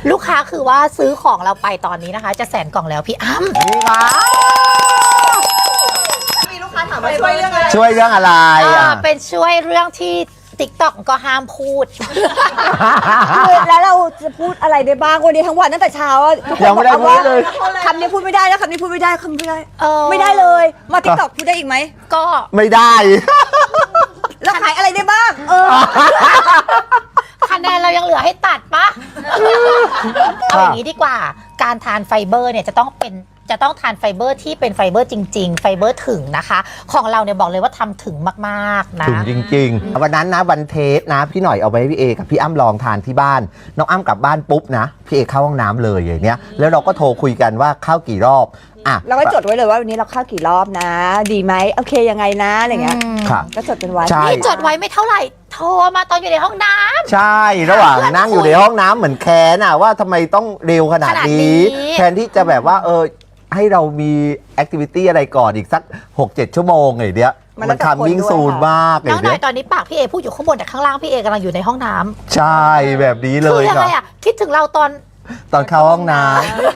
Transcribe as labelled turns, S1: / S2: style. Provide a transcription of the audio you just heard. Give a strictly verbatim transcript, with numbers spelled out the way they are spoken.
S1: ลูกค้าคือว่าซื้อของเราไปตอนนี้นะคะ จะแสนกล่องแล้วพี่อ้ำ
S2: นี่ค่ะ
S3: มีลูกค้าถามว่าช่วยเรื่องอะไร
S2: ช่วยเรื่องอะไร
S1: อ่า
S2: อ่ะ
S1: เป็นช่วยเรื่องที่ ติ๊กต็อก ก็ห้ามพูด
S3: คือแล้วเราจะพูดอะไรได้บ้างวันนี้ทั้งวันตั้งแต่เช้าอะทุกคน
S2: ยังไม่ได้
S3: บอกว่า
S2: พูดเลย
S3: คำนี้พูดไม่ได้นะคำนี้พูดไม่ได้คำนี้พูดไม่ได้
S1: เออ
S3: ไม่ได้เลย มาติ๊กต็อกพูดได้อีกไหม
S1: ก็
S2: ไม่ได้
S3: แล้วขายอะไรได้บ้าง เออ
S1: คะแนนเรายังเหลือให้ตัดปะ เอาอย่างนี้ดีกว่า การทานไฟเบอร์เนี่ยจะต้องเป็นจะต้องทานไฟเบอร์ที่เป็นไฟเบอร์จริง ๆ ไฟเบอร์ถึงนะคะ ของเราเนี่ยบอกเลยว่าทำถึงมากๆนะ
S2: ถึงจริงๆ วันนั้นนะวันเทสนะ พี่หน่อยเอาไปให้พี่เอกับพี่อ้ำลองทานที่บ้าน น้องอ้ำกลับบ้านปุ๊บนะ พี่เอเข้าห้องน้ำเลยอย่างเนี้ยแล้วเราก็โทรคุยกันว่าเข้ากี่รอบอ่ะ
S3: เราก็จดไว้เลยว่าวันนี้เราเข้ากี่รอบนะ ดีไหมโอเคยังไงนะอะไรเงี้ย
S1: อืม
S2: ค่ะ
S3: ก็จดกันไว้
S2: ใช่
S1: นี่จดไว้ไม่เท่าไหร่ โทรมาตอนอยู่ในห้องน้ำ
S2: ใช่ ระหว่างนั่งอยู่ในห้องน้ำเหมือนแค้นอะว่าทำไมต้องเร็วขนาด
S1: ขนาดนี้
S2: นี้ แทนที่จะแบบว่าเออให้เรามีแอคทิวิตี้อะไรก่อนอีกสัก หกเจ็ด ชั่วโมงไงเนี้ย
S3: มัน
S2: มัน
S3: แล้วแต่คน
S2: คำวิ่ง
S3: ด้วย
S2: ซูน
S3: ค่ะ
S2: มากไง
S1: น้องหน่
S2: เนี้
S1: อย
S2: ย
S1: ตอนนี้ปากพี่เอพูดอยู่ข้างบนแต่ข้างล่างพี่เอกำลังอยู่ในห้องน้ำ
S2: ใช่แบบนี้เล
S1: คื
S2: ย
S1: ยัง
S2: ครั
S1: ไง
S2: บ
S1: อะคิดถึงเราตอน
S2: ตอนเข้าห้องน้ำ